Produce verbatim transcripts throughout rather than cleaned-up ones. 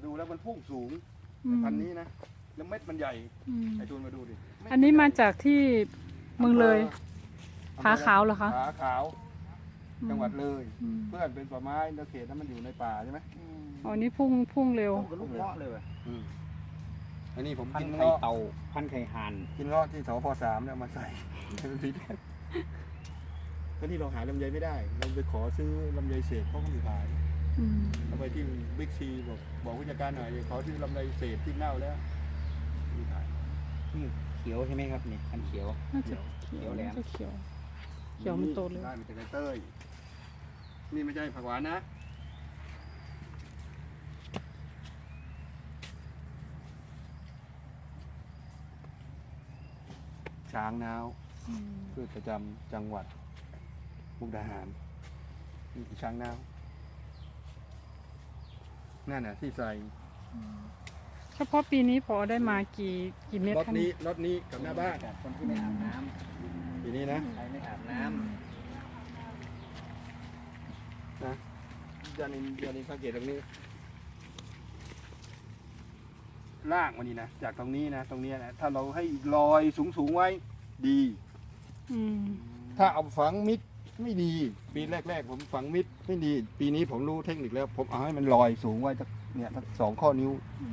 ดูแล้วมันพุ่งสูงพันนี้นะแล้วเม็ดมันใหญ่ไอ้ตูนมาดูดิอันนี้มาจากที่เมืองเลยผาขาวเหรอคะผาขาวจังหวัดเลยเพื่อนเป็นป่าไม้แล้วเขตนั้นมันอยู่ในป่าใช่ไหมอ๋อนี่พุ่งพุ่งเร็วลูกเงาะเลยว่ะอันนี้ผมกินกินไข่เงาะเต่าพันไข่ห่านกินเงาะที่สพสามเนี่ยมาใส่สีแดงก็ที่เราหาลำไยไม่ได้เราไปขอซื้อลำไยเศษเขาก็ไม่ขายเราไปที่บิ๊กซีบอกบอกผู้จัดการหน่อยขอซื้อลำไยเศษที่เน่าแล้วไม่ขายเขียวใช่ไหมครับนี่พันเขียวน่าจะเขียวแหลมเขียวเขียวมันโตเลยได้มาจากไอเต้ยนี่ไม่ใช่ผักหวานนะช้างนาวพืชประจำจังหวัดมุกดาหารนี่คือช้างนาวนั่นน่ะที่ใส่เฉพาะปีนี้พอได้มากี่กี่เม็ดรถนี้รถนี้กับหน้าบ้านคนที่ไม่อาบน้ำปีนี้นะใครไม่อาบน้ำนะยานินยานินสังเกตตรงนี้ลากมันนี่นะจากตรงนี้นะตรงนี้นะถ้าเราให้ลอยสูงสูงไว้ดีถ้าเอาฝังมิดไม่ดีปีแรกๆผมฝังมิดไม่ดีปีนี้ผมรู้เทคนิคแล้วผมเอาให้มันลอยสูงไว้จากเนี่ยทั้งสองข้อนิ้ว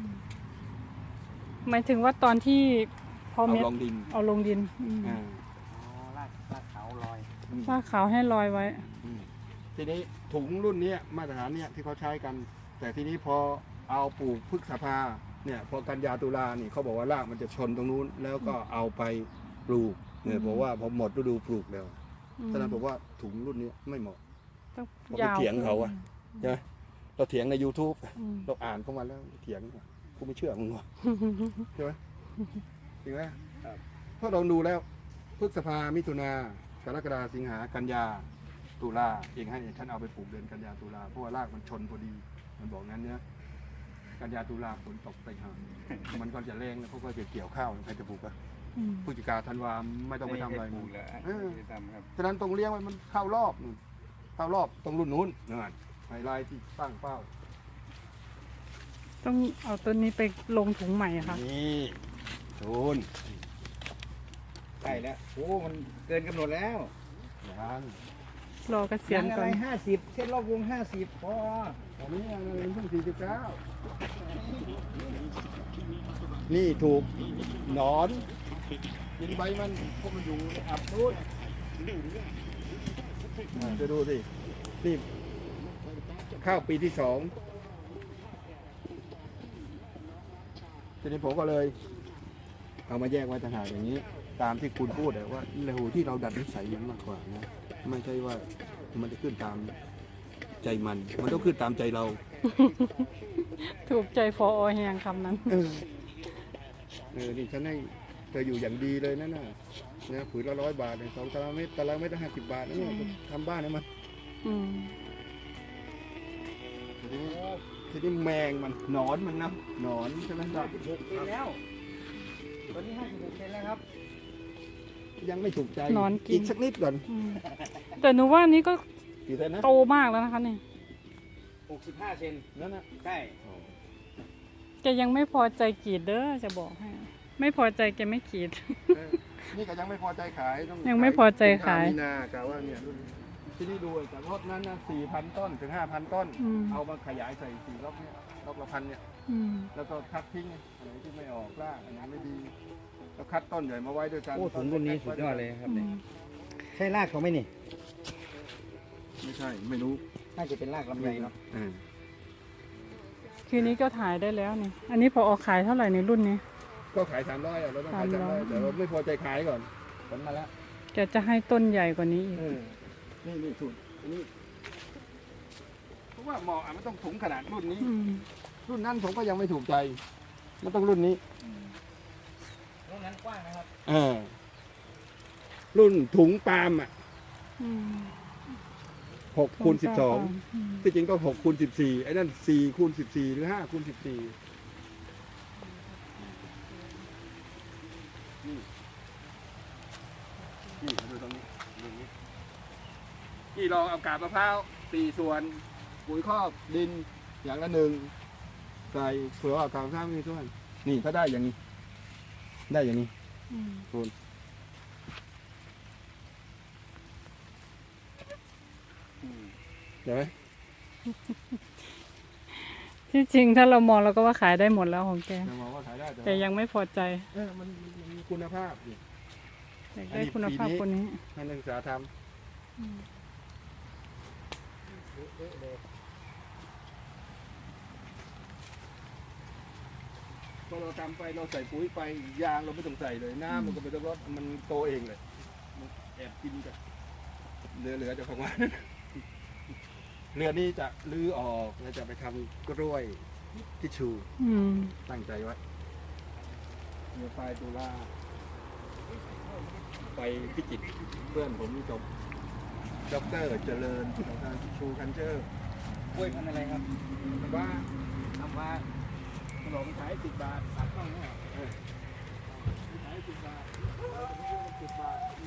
หมายถึงว่าตอนที่พอเม็ดเอาลงดินเอาลงดินอ๋อลากลากเขาลอยลากเขาให้ลอยไว้ทีนี้ถุงรุ่นนี้มาตรฐานเนี่ยที่เขาใช้กัน แต่ทีนี้พอเอาปลูกพฤษภาเนี่ยพอกันยาตุลานี่เขาบอกว่ารากมันจะชนตรงนู้นแล้วก็เอาไปปลูกเนี่ยบอกว่าพอหมดฤดูปลูกแล้วฉะนั้นบอกว่าถุงรุ่นนี้ไม่เหมาะเราไปเถียงเขาอะใช่ไหมเราเถียงใน ยูทูบ เราอ่านเข้ามาแล้วเถียงกูไม่เชื่อมึงวะใช่ไหมจริงไหมเพราะเราดูแล้วพฤษภามิถุนากรกฎาสิงหากันยาตุลาเองให้ฉันเอาไปปลูกเดือนกันยาตุลาเพราะว่ารากมันชนพอดีมันบอกงั้นเนี่ยกันยาตุลาฝนตกไปหามันก็จะแรงแล้วเขาก็จะเกี่ยวข้าวใครจะปลูกอะพฤศจิกาธันวาไม่ต้องไปทำอะไรมันฉะนั้นตรงเลี้ยงมันเข้ารอบเข้ารอบตรงรุ่นนู้นนั่นไฮไลท์ที่ตั้งเป้าต้องเอาต้นนี้ไปลงถุงใหม่ค่ะนี่ทุนใช่แล้วโอ้มันเกินกำหนดแล้วยังรอเกษียณก่อนห้าสิบเส้นรอบวงห้าสิบพอตอนนี้ยังเงินเพิ่งสี่สิบเก้านี่ถูกหนอนกินใบมันพวกมันอยู่อับนู้นจะดูสินี่ข้าวปีที่สองทีนี้ผมก็เลยเอามาแยกไว้ต่างหากอย่างนี้ตามที่คุณพูดเลยว่าเร็วที่เราดัดนิสัยมันมากกว่านะไม่ใช่ว่ามันจะขึ้นตามใจมันมันต้องขึ้นตามใจเราถูกใจฟอแหงคำนั้นเออเออนี่ฉันให้เธออยู่อย่างดีเลยนะน่ะนะผืนละร้อยบาทสองตารางเมตรตารางเมตรละห้าสิบบาทนะเนี่ยทำบ้านให้มันทีนี้แมงมันหนอนมันนะหนอนใช่ไหมครับหกเซนแล้วตอนนี้ห้าสิบหกเซนแล้วครับยังไม่ถูกใจนอนกินอีกสักนิดก่อนแต่หนูว่านี้ก็นะโตมากแล้วนะคะนี่หกสิบห้าเซนนั่นนะใช่แกยังไม่พอใจกรีดเด้อจะบอกให้ไม่พอใจแกไม่กรีดนี่ก็ยังไม่พอใจขายต้องยังไม่พอใจขายนากะว่าเนี่ยที่นี่ดูจากรถนั้นนะสี่พันต้นถึงห้าพันต้นเอามาขยายใส่สี่รอบเนี่ยรอบละพันเนี่ยแล้วก็คัดทิ้งอะไรที่ไม่ออกรากอันนี้ไม่ดีแล้วคัดต้นใหญ่มาไว้ด้วยกันโอ้ถุงรุ่นนี้สุดยอดเลยครับเนี่ยใช่รากเขาไหมนี่ไม่ใช่ไม่รู้น่าจะเป็นรากลำไยเนาะคืนนี้ก็ถ่ายได้แล้วนี่อันนี้พอออกขายเท่าไหร่ในรุ่นนี้ก็ขายสามร้อยอ่ะเราต้องขายสามร้อยแต่เราไม่พอใจขายก่อนผลมาแล้วแกจะให้ต้นใหญ่กว่านี้อีกนี่นี่ถุงอันนี้เพราะว่าเหมาะอ่ะมันต้องถุงขนาดรุ่นนี้รุ่นนั้นผมก็ยังไม่ถูกใจมันต้องรุ่นนี้รุ่นนั้นกว้างนะครับเออรุ่นถุงปาล์มอ่ะหกคูณสิบสองที่จริงต้องหกคูณสิบสี่ไอ้นั่นสี่คูณสิบสี่หรือห้าคูณสิบสี่นี่นี่ดูตรงนี้ตรงนี้ที่ลองเอากาบมะพร้าวสี่ส่วนปุ๋ยคอกดินอย่างละหนึ่งใส่เผื่อว่าทางซ้ายมีส่วนนี่ถ้าได้อย่างนี้ ได้อย่างนี้อืมคุณ เห็นไหมที่จริงถ้าเรามองเราก็ว่าขายได้หมดแล้วของแกเรามองว่าขายได้แต่ยังไม่พอใจเออมันมันมีคุณภาพอีกอยากได้คุณภาพคนนี้ให้นักศึกษาทอืมำพอเราทำไปเราใส่ปุ๋ยไปยางเราไม่ต้องใส่เลยน้ำมันก็ไม่ต้องรดมันโตเองเลยมันแอบกินกันเหลือๆจะของมัน เรือนี้จะลื้อออกแล้วจะไปทำกล้วยทิชชูอืมตั้งใจไว้เมื่อปลายตุลาไปพิจิตรเพื่อนผมจบด็อกเตอร์เจริญของทางชูคันเจอร์กล้วยพันธุ์อะไรครับว่าทำว่าขนมขายสิบบาทตัดต้องเนี่ยเออขายสิบบาทเราจะไม่รู้ว่าสิบบาท